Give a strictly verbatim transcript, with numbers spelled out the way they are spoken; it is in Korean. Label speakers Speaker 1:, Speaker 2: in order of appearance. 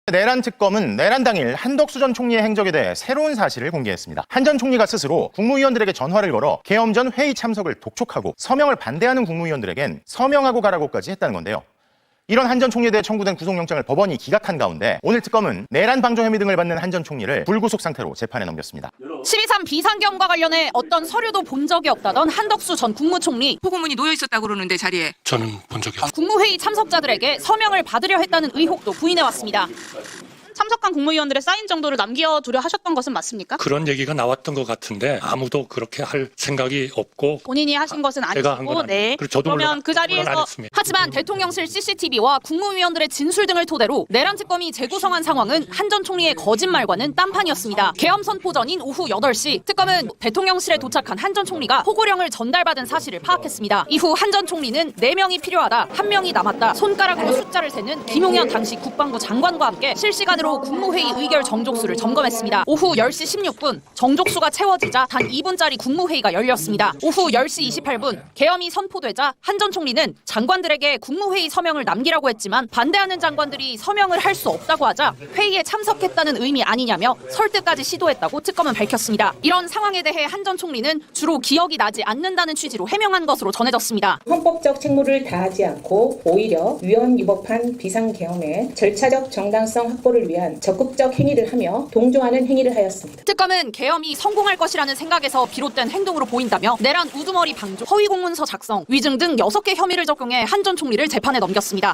Speaker 1: 내란 특검은 내란 당일 한덕수 전 총리의 행적에 대해 새로운 사실을 공개했습니다. 한 전 총리가 스스로 국무위원들에게 전화를 걸어 계엄 전 회의 참석을 독촉하고 서명을 반대하는 국무위원들에겐 서명하고 가라고까지 했다는 건데요. 이런 한 전 총리에 대해 청구된 구속영장을 법원이 기각한 가운데 오늘 특검은 내란 방조 혐의 등을 받는 한 전 총리를 불구속 상태로 재판에 넘겼습니다.
Speaker 2: 십이 삼 비상계엄과 관련해 어떤 서류도 본 적이 없다던 한덕수 전 국무총리.
Speaker 3: 포고문이 놓여 있었다고 그러는데 자리에.
Speaker 4: 저는 본 적이 없습니다.
Speaker 2: 국무회의 참석자들에게 서명을 받으려 했다는 의혹도 부인해왔습니다.
Speaker 5: 참석한 국무위원들의 사인 정도를 남겨두려 하셨던 것은 맞습니까?
Speaker 4: 그런 얘기가 나왔던 것 같은데 아무도 그렇게 할 생각이 없고
Speaker 5: 본인이 하신 것은
Speaker 4: 제가 한
Speaker 5: 아니고,
Speaker 4: 건
Speaker 5: 네.
Speaker 4: 아니고 저도
Speaker 5: 그러면
Speaker 4: 물론,
Speaker 5: 그 자리에서
Speaker 4: 물론 안 했습니다.
Speaker 2: 하지만 대통령실 씨씨티비와 국무위원들의 진술 등을 토대로 내란 특검이 재구성한 상황은 한 전 총리의 거짓말과는 딴판이었습니다. 계엄 선포 전인 오후 여덟 시 특검은 대통령실에 도착한 한 전 총리가 포고령을 전달받은 사실을 파악했습니다. 이후 한 전 총리는 네 명이 필요하다, 한 명이 남았다, 손가락으로 숫자를 세는 김용현 당시 국방부 장관과 함께 실시간으로 국무회의 의결 정족수를 점검했습니다. 오후 열 시 십육 분 정족수가 채워지자 단 이 분짜리 국무회의가 열렸습니다. 오후 열 시 이십팔 분 계엄이 선포되자 한 전 총리는 장관들에게 국무회의 서명을 남기라고 했지만 반대하는 장관들이 서명을 할 수 없다고 하자 회의에 참석했다는 의미 아니냐며 설득까지 시도했다고 특검은 밝혔습니다. 이런 상황에 대해 한 전 총리는 주로 기억이 나지 않는다는 취지로 해명한 것으로 전해졌습니다.
Speaker 6: 헌법적 책무를 다하지 않고 오히려 위헌 위법한 비상계엄의 절차적 정당성 확보를 위한 적극적 행위를 하며 동조하는 행위를 하였습니다.
Speaker 2: 특검은 계엄이 성공할 것이라는 생각에서 비롯된 행동으로 보인다며 내란 우두머리 방조, 허위 공문서 작성, 위증 등 여섯 개 혐의를 적용해 한 전 총리를 재판에 넘겼습니다.